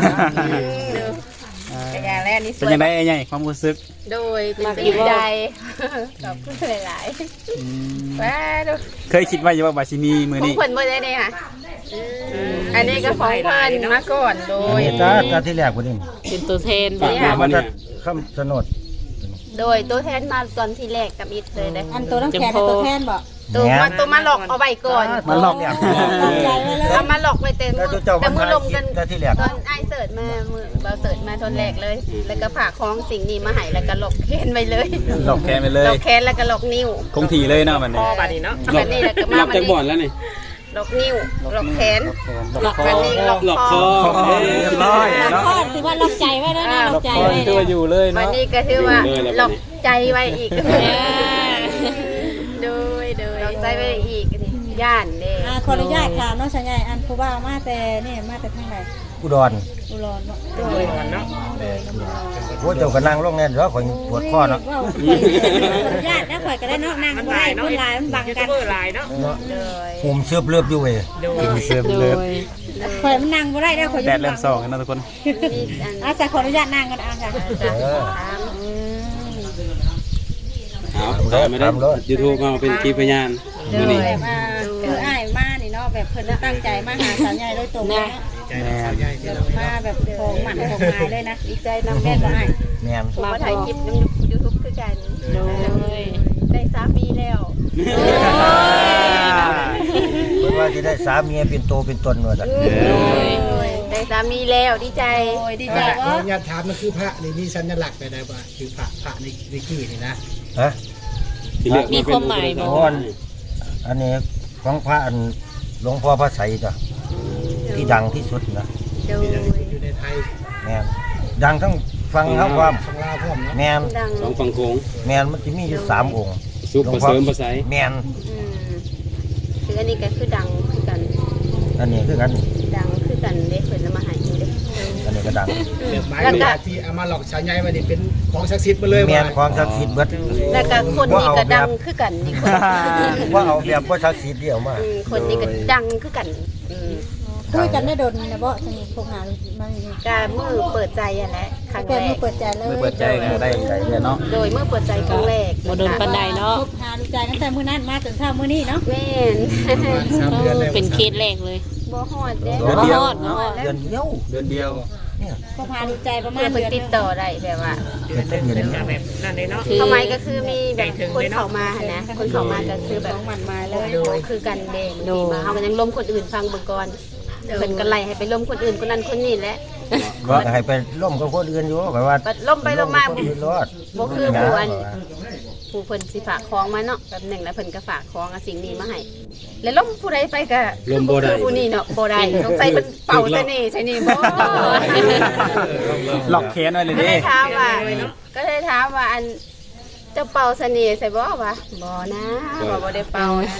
Speaker 1: กระยาแรกนี่ส
Speaker 5: เป็น
Speaker 1: วย
Speaker 5: ยังไงใหญ่ความรู้สึก
Speaker 1: โดยตื่นใจขอบคุณหลายๆว้าดู
Speaker 5: เคยคิดว่าจะว่าบาซิมีมือ
Speaker 1: ของ
Speaker 5: นี้
Speaker 1: เพิ่นบ่ได้เนี่ยค่ะอันนี้ก็ของเพิ่นมาก่อนโดย
Speaker 2: ตาที่แรกบ่นี่
Speaker 4: เป็นตัวแทน
Speaker 6: ฝาก
Speaker 4: บ่
Speaker 6: มาบ่
Speaker 2: มัน
Speaker 6: เนี่
Speaker 2: จะ
Speaker 6: ย
Speaker 2: คำสนด
Speaker 1: โดยตัวแทนมาตอนที่แรกกับอิดเลยนะ
Speaker 8: อันตัวน้ำแข็งตัวแทนบอก
Speaker 1: ตัวมาหลอกเอาไว้ก่อน
Speaker 2: มันหลอกเนี่ย
Speaker 8: ใจไว้เลย
Speaker 1: เอามาหลอกไว้เต็ม
Speaker 2: แล้วเจ้า
Speaker 1: แต่
Speaker 2: มัน
Speaker 1: มือ
Speaker 2: ทาย
Speaker 1: ลม
Speaker 2: คิ
Speaker 1: กั
Speaker 2: ด
Speaker 1: น
Speaker 2: แต่ที่แรก
Speaker 1: ตอนไอเสิร์ตมามือเบาเสิร์ตมาทนแรกเลย แล้วก็ฝากของสิ่งนี้มาให้แล้วก็หลอกแขนไปเลย
Speaker 5: หลอกแกไปเล
Speaker 1: หลอย กแขนแล้วก็หลอกนิ้ว
Speaker 5: คงทีเลยเนาะมัน
Speaker 7: พ
Speaker 5: นี้
Speaker 7: อบัดนี้เนาะ
Speaker 6: หล
Speaker 1: อั
Speaker 6: บ
Speaker 1: นนี้แล้วก็
Speaker 6: หล
Speaker 1: มา
Speaker 6: บจากบ่อนแล้วนี่
Speaker 1: หลอกนิ้วหลอกแขน
Speaker 5: หลอกคอ
Speaker 1: อันนี้หลอก
Speaker 6: หลอก
Speaker 1: ค
Speaker 6: ค
Speaker 1: อ
Speaker 6: อ
Speaker 5: เรียบร้อย
Speaker 8: ล็อก
Speaker 5: เนาะ
Speaker 8: คอถือว่าล็อกใจไว้แล้วนะล็อกใจ
Speaker 5: คอ
Speaker 8: ไว้
Speaker 5: ตัวอยู่เลย
Speaker 1: วัน
Speaker 5: เนาะ
Speaker 1: นี้ก็ถือว่าหลอกใจไว้อีกโดยหลอกใจไว้อีกย่านเด้
Speaker 8: ขออนุญาตถามน้องชายใหญ่อันผู้ว่ามาแต่นี่มาแต่ทางไหน
Speaker 2: อุดร
Speaker 8: อุรอนบ่
Speaker 7: โดยเนาะ
Speaker 2: โอ้เจ้าก็นั่งลงแน่นแล้วข่อยปวดคอเนาะ
Speaker 8: ว้าวญาตินะข่อยก็ได้เนาะนั่งบ่ได้คนหลายมันบัง
Speaker 7: ยู
Speaker 8: กั
Speaker 7: ทูบ
Speaker 8: น
Speaker 7: เบอร์หลายเนาะ
Speaker 1: เลย
Speaker 2: ผมเสือบเลือบอยู่เว้ย
Speaker 7: โดย
Speaker 3: เสิร์ฟ
Speaker 4: โด
Speaker 3: เลิศ
Speaker 4: ย
Speaker 8: ข่อยมันนั่งบ่ได้แล้วข่อย
Speaker 5: แดดเริ่มส่องกันนะทุกคน
Speaker 1: มีอัน
Speaker 8: อาจจะขออนุญาตนั่งกันค่ะ
Speaker 1: จะ
Speaker 6: เอาได้ไม่ได้ YouTube มาเป็นคลิปพยานมื้อนี้
Speaker 8: แบบคืออ้ายมานี่เนาะแบบเพิ่นตั้งใจมาหาสาวใหญ่โดยตรงเลย
Speaker 5: แม่น
Speaker 8: มาแบบของหมันของหมายเลยนะ
Speaker 1: ดีใจนำ
Speaker 8: แม่
Speaker 1: แม่
Speaker 8: นบ่อ้าย
Speaker 2: แม่น
Speaker 1: ผมมาถ่ายคลิปน้ำยูทูบคือกัน
Speaker 4: โดย
Speaker 1: ได้สามีแล้ว
Speaker 2: เพิ่นว่าสิได้สามีเป็นโตเป็นตนว่าซั่น
Speaker 1: ได้สามีแล้วดีใจ
Speaker 8: โอ้ยดีใจ
Speaker 9: ขอ
Speaker 8: ว่า
Speaker 9: อนุญาตถามมันคือพระนี่มีสัญลักษณ์ไปได้ว่าคือพระในวิกี้นี่นะ
Speaker 2: ฮะ
Speaker 6: ที่เลือก
Speaker 4: มีความหมายบ่
Speaker 2: อ๋ออันนี้ของพระอันหลวงพ่อพระไสยจ้ะที่ดังที่สุดนะ
Speaker 1: โดย
Speaker 9: อยู่ในไทย
Speaker 2: แม่นดังทั้งฟังทั้งความ
Speaker 9: ของลาวพร้อมเนาะ
Speaker 2: แม่น
Speaker 1: ดัง
Speaker 6: สองฝั่งโขง
Speaker 2: แม่นมันจะมีอยู่3องค์
Speaker 6: ซุปผสมภาษา
Speaker 2: แม่น
Speaker 1: คืออันนี้ก็คือดังคือกัน
Speaker 2: อันนี้คือกัน
Speaker 1: ดังคือกันเด้เพิ่นเอามาให้อยู่เด้
Speaker 2: อันนี้ก็ดัง
Speaker 9: เรื่องหมายว่าที่เอามาหลอกชาวใหญ่ว่านี่เป็นของศักดิ์สิทธิ์มาเลย
Speaker 2: แม่
Speaker 9: ว่าน
Speaker 2: ของศักดิ์สิทธิ์เบิด
Speaker 1: แล้วก็คนนี้ก็ดังคือกันนี่คน
Speaker 2: ว่าเอาแบบบ่ศักดิ์สิทธิ์เดียวมา
Speaker 1: คนนี้ก็ดังคือกัน
Speaker 8: คุยกันได้โดนนะบ่สนิทพวกหามานี่
Speaker 1: กามือเปิดใจอ่ะแหละครั้ง
Speaker 8: แก
Speaker 1: แร
Speaker 8: มือก เปิดใจเลย
Speaker 5: มือเปิดใจกันได้ใจเลยเนาะ
Speaker 1: โดยมือเปิดใจครั้งแรก
Speaker 4: บ่โดนปานใดเนาะ
Speaker 8: คบหาดูใจตั้งแต่มื้อนั้นมาจนเช้ามื้อนี้เนาะ
Speaker 1: แม่น
Speaker 9: 3 เดือนแล้ว
Speaker 4: เป็นเคสแรกเลย
Speaker 1: บ่ฮอดเด้
Speaker 5: เดือนเดียว
Speaker 4: บ่ฮอด
Speaker 2: เดือนเดียว
Speaker 5: เดือนเดียว
Speaker 8: คบหาดูใจประมา
Speaker 1: เพื่
Speaker 8: ณ
Speaker 1: อเพิ่น
Speaker 8: เดือน
Speaker 1: ติดต่อได้แบบว่า
Speaker 2: เป็นต้นเดือน
Speaker 7: แบบนั่นเลยเนาะ
Speaker 1: เข้ามาก็คือมีแบบคนเข้ามาหั่นนะคนเข้ามาก็คือแบบ
Speaker 8: ของหมันหมายเลย
Speaker 1: โดยคือกันเด้ดีมาเฮาก็ยังล้มคนอื่นฟังเบิ่งก่อนเพิ่นก็ไล่ให้ไปล้มคนอื่นคนนั้นคนนี้แหละ
Speaker 2: ก็ให้ไปล่มกับคนอื่นอยู่แบบว่า
Speaker 1: บัดล้มไปล้มมา
Speaker 2: คนอื่นรอด
Speaker 1: บ่คือผู้อันผู้เพิ่นสิฝากของมาเนาะแบบหนึงแล้วเพิ่นก็ฝากของเอาสิ่งนี้มาให้แล้วล้มผู้ใดไปก็คือผู้นี้เนาะบ่ได้สงสัยเพิ่นเป่าเสน่ห์ใช่นี่บ่
Speaker 5: หลอกแขนไว้เลย
Speaker 1: ก็
Speaker 5: เด้
Speaker 1: เลยถามว่าอันเจ้าเป่าเสน่ห์ใส่บ่วะบ่นะบ่ได้เป่านะ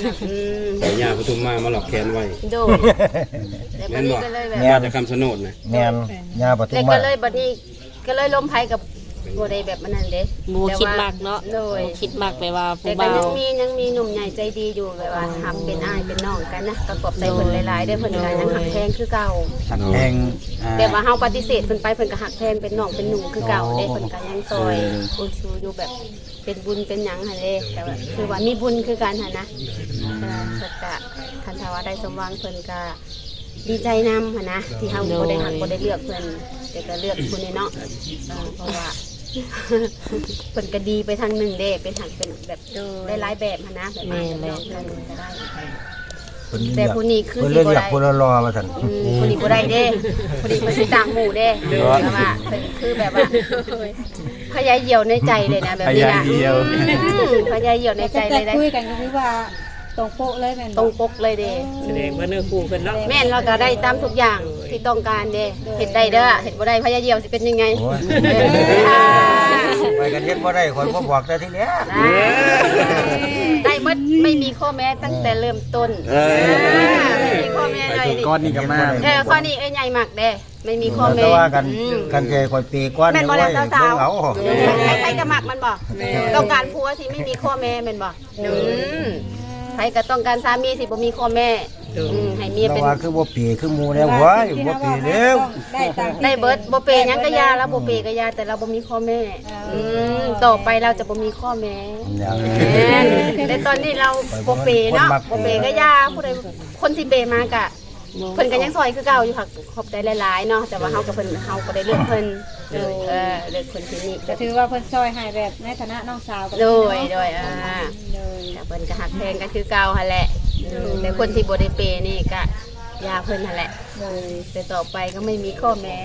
Speaker 6: ย่าปทุมมาหลอกแขนไว้
Speaker 1: โดดแล้วบัดนี้ก็เลยแบบ
Speaker 6: มาจากคำชะโนดนะ
Speaker 2: แม่นยาปทุ
Speaker 1: แล้ว
Speaker 2: ม
Speaker 1: ก็
Speaker 2: มา
Speaker 1: เลยบัดนี้ก็เลยล้มไผกับบ่ได้แบบนั้นเด้
Speaker 4: บ่คิดมากเนาะ
Speaker 1: โดย
Speaker 4: บ่คิดมากไปว่า
Speaker 1: แต่
Speaker 4: ผู้
Speaker 1: ก็
Speaker 4: บ่าว
Speaker 1: ยังมีหนุ่มใหญ่ใจดีอยู่แบบว่าทำเป็นอ้ายเป็นน้องกันนะก็ขอบใจเพิ่นหลายๆได้อเพิ่นก็ยังหักแพงคือเก่า
Speaker 5: หักแพง
Speaker 1: แต่ว่าเฮาปฏิเสธเพิ่นไปเพิ่นก็หักแพงเป็นน้องเป็นหนุ่มคือเก่าเด้เพิ่นก็ยังซอยอุชูอยู่แบบเป็นบุญเป็นหยังหั่นเด้แต่ว่าคือว่ามีบุญคือกันหั่นนะเพิ่นก็คันถ้าว่าได้สมหวังเพิ่นก็ดีใจนำหั่นนะที่เฮาบ่ได้หักบ่ได้เลือกเพิ่นแต่ก็เลือกคนนี้เนาะเพราะว่า เพิ่นก็ดีไปทางหนึ่งเด้เป็นทางเป็นแบบได้หลายแบบหั่นนะแบบนี้แล้วก็ได้ แต่ผู้นี้คือ
Speaker 2: เพิ่น
Speaker 1: สิ
Speaker 2: เลย
Speaker 1: บ่
Speaker 2: เรียก
Speaker 1: ได้
Speaker 2: ผู้ละรอมาซั่น
Speaker 1: ผู้นี้บ่ได้เด้ผู้นี้เพิ่นสิต่างหมู่เด้แต่ว่าเพิ่นคือแบบว่าพยาเหี่ยวในใจเลยนะแบบนี้นะพยาเหี่ยวในใจ
Speaker 8: แต่
Speaker 1: เลยได้
Speaker 8: คุยกันก็คือว่าตรงโป๊ะเลยแม่น
Speaker 1: ตรงปกเลยเด้
Speaker 7: แสดงว่าเนื้อคู่เพิ่นเนาะ
Speaker 1: แม่นเราก็ได้ตามทุกอย่างที่ต้องการเด้เฮ็ดได้เด้อเฮ็ดบ่ได้พยาเหี่ยวสิเป็นยังไง
Speaker 2: โอ้ยไปกันเฮ็ดบ่ได้ข่อยบ่บอกแต่ทีแรก
Speaker 1: ได้หมดไม่มีข้อแม้ตั้งแต่เริ่มต้นไม่มีข้อแม้เลย
Speaker 5: ก้อนนี้ก็มา
Speaker 1: ข้อนี้ใหญ่มากเด้ไม่มีข้อแม้
Speaker 2: แต่ว่ากันใจข่อยปีก่อน
Speaker 1: แม่นบ่
Speaker 2: ไว้
Speaker 1: แล้ว
Speaker 2: เบิ่
Speaker 1: สาง ว
Speaker 2: เอา
Speaker 1: ๆใครก็มักมันบ่ต้องการผัวที่ไม่มีข้อแม้แม่นบ่ใครก็ต้องการสามีที่บ่มีข้อแม่ให้เมีย
Speaker 2: แต่
Speaker 1: เป็น
Speaker 2: ว่าคือบ่ปีคือหมู่แล้วเว้ยบ่ปีแล้ว
Speaker 8: ได้ตาม
Speaker 1: ได้เบิดบ่เปย์หยังก็ยาแล้วบ่เปย์ก็ยาแต่เราบ่มีข้อแม่ต่อไปเราจะบ่มีข้อแม้แต่ตอนนี้เราบ่เปย์เนาะบ่เปย์ก็ยาผู้ใดคนที่เปย์มากะเพิ่นก็ยังซอยคือเก่าอยู่ค่ะขอบใจหลายๆเนาะแต่ว่าเฮากับเพิ่นเฮาก็ได้เลือกเพิ่นเลือกคนที่นี่
Speaker 8: ก็ถือว่าเพิ่นซอยให้แบบในฐานะน้องสาวกับ
Speaker 1: โดย
Speaker 8: โดย
Speaker 1: แต่เพิ่นก็หักแพงก็คือเก่าหั่นแหละแต่คนที่บ่ได้เปย์นี่ก็ยาเพิ่นหั่นแหละแต่ต่อไปก็ไม่มีข้อแม้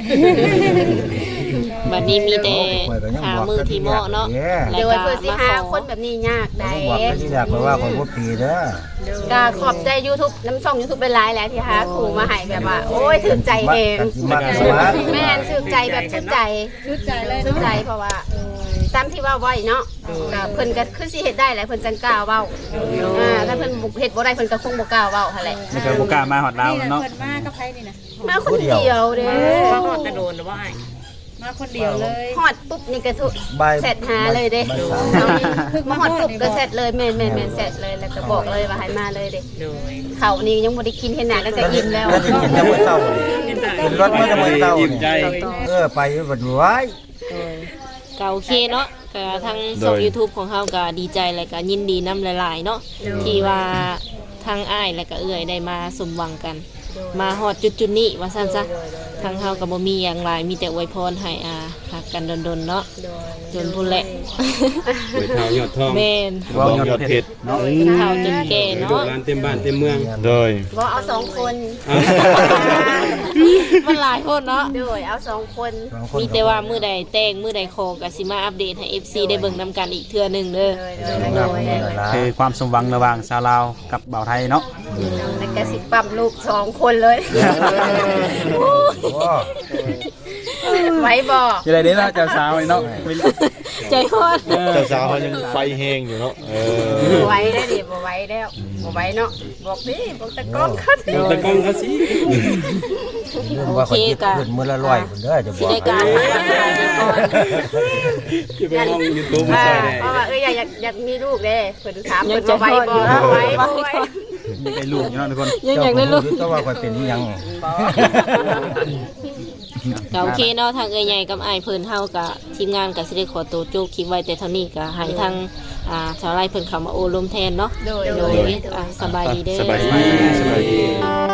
Speaker 4: บัดนี้มีแต่หามือที่เหมาะเนาะ
Speaker 1: เดี๋ยวเพื่อสิหาคนแบบนี้ยากได้
Speaker 2: บอกแต่ทีแรกว่าข่อยบ่ปีเด้อ
Speaker 1: ก็ขอบใจ YouTube น้ำช่อง YouTube เป็นหลายแล้วที่หาครูมาให้แบบว่า โอ้ยถึกใจเอง
Speaker 2: กันสิมักสมัคร
Speaker 1: แม่นถึกใจแบบชุดใจ
Speaker 8: ชุดใจเลย
Speaker 1: ชุด
Speaker 8: เนาะ
Speaker 1: ใจเพราะว่าตามที่ว่าไว้เนาะก็เพิ่นก็คือสิเฮ็ดได้แหละเพิ่นจังกล้าเว้าถ้าเพิ่นเฮ็ดบ่ได้เพิ่นก็คงบ่กล้าเว้าหั่นแหละ
Speaker 5: นี่ก็บ่กล้ามาฮอดลาว
Speaker 8: นี่แหละ
Speaker 5: เนาะ
Speaker 8: เพิ่นมากับไผนี่นะ
Speaker 1: มาคนเดียวเด้
Speaker 7: ว่าฮอดตะโดนหรือว่าอ้าย
Speaker 8: มาคนเดียวเลย
Speaker 1: ฮอดปุ๊บนี่ก็ทุ
Speaker 2: บ่าย
Speaker 1: เสร็จหาเลยเด้
Speaker 2: บ่ายสาม
Speaker 1: เอานี่มาฮอดปุ๊บก็เสร็จเลยแม่นๆเสร็จเลยแล้วก็บอกเลยว่าให้มาเลยเด้
Speaker 7: โดย
Speaker 1: เขานี่ยังบ่ได้กินเห็นหน้ากันก็อิ่มแล้ว
Speaker 2: แล้วจะกินแต่มื้อเช้านี่กินรถมื้อแต่มื้อเช้า
Speaker 6: อิ่มใจ
Speaker 2: ไปบัดไว้
Speaker 4: ก็โอเคเนาะก็ทั้งช่อง YouTube ของเฮาก็ดีใจและก็ยินดีนํหลายๆเนาะที่ว่าทั้งอ้ายและก็เอื้อยได้มาสมหวังกัน มาฮอดจุดๆนี้ว่าซั่นซะทางเฮาก็บ่มีหยังหลายมีแต่อวยพรให้ฮักกันดนๆเนาะจนพุ่นแหละ
Speaker 6: ไปเท้ายอดทอง
Speaker 4: แม่น
Speaker 3: บ่ยอดเพชร
Speaker 5: เนาะ
Speaker 4: กินข้าวจนแก่
Speaker 6: ลูก
Speaker 4: เนาะ
Speaker 6: หลานเต็มบ้านเต็มเมือง
Speaker 3: โดย
Speaker 1: บ่เอา2คน
Speaker 4: มันหลายคนเนาะ
Speaker 1: โดยเอา2คน
Speaker 4: มีแต่ว่ามื้อใดแต่งมื้อใดขอก็สิมาอัปเดตให้ FC ได้เบิ่งนํกันอีกเทื่อหนึงเด้อ
Speaker 1: โดย
Speaker 5: คือความสมหวังระหว่างชาวลาวกับบ่าวไทยเนาะ
Speaker 1: แล้วก็สิปั๊มลูก2คนเลยไหวบ่
Speaker 5: จะได้เด้อเนาะเจ้าสาวนี่เนาะ
Speaker 4: ใจฮอด
Speaker 3: เจ้าสาวเขายังไฟแห้งอยู่เนาะ
Speaker 1: ไหวได้ดิบ่ไหวแล้วบ่ไหวเนาะบอกดิบอกตะกล้องคัด
Speaker 6: ตะกล้องเขาสิ
Speaker 2: ว่าคนคิดขึ้นมื้อละ100พุ่นเด้อจะบ
Speaker 4: สิ
Speaker 2: อก
Speaker 4: ได้การก่อน
Speaker 6: จะไปห้อง YouTube มาใส่ได้
Speaker 1: เพราะว่าอยากมีลูกเด้เพิ่นถามเพิ่นว่าไหวบ่ไหวบ่ไหว
Speaker 5: มีได้ลูกอยู่เนาะทุกคน
Speaker 4: ยังอยากได้ลูก
Speaker 2: ก็ว่าค่อยเป็นอีหยัง
Speaker 4: ก็โอเคเนาะทางเอ้ยใหญ่กับอ้ายเพิ่นเฮากับทีมงานก็สิได้ขอตัวโจกคลิปไว้แต่เท่านี้ก็ให้ทางชาวไร่เพิ่นเข้ามาโอ้ลมแทนเนาะ
Speaker 1: โดย
Speaker 4: สบายดีเด้อ
Speaker 3: สบายดี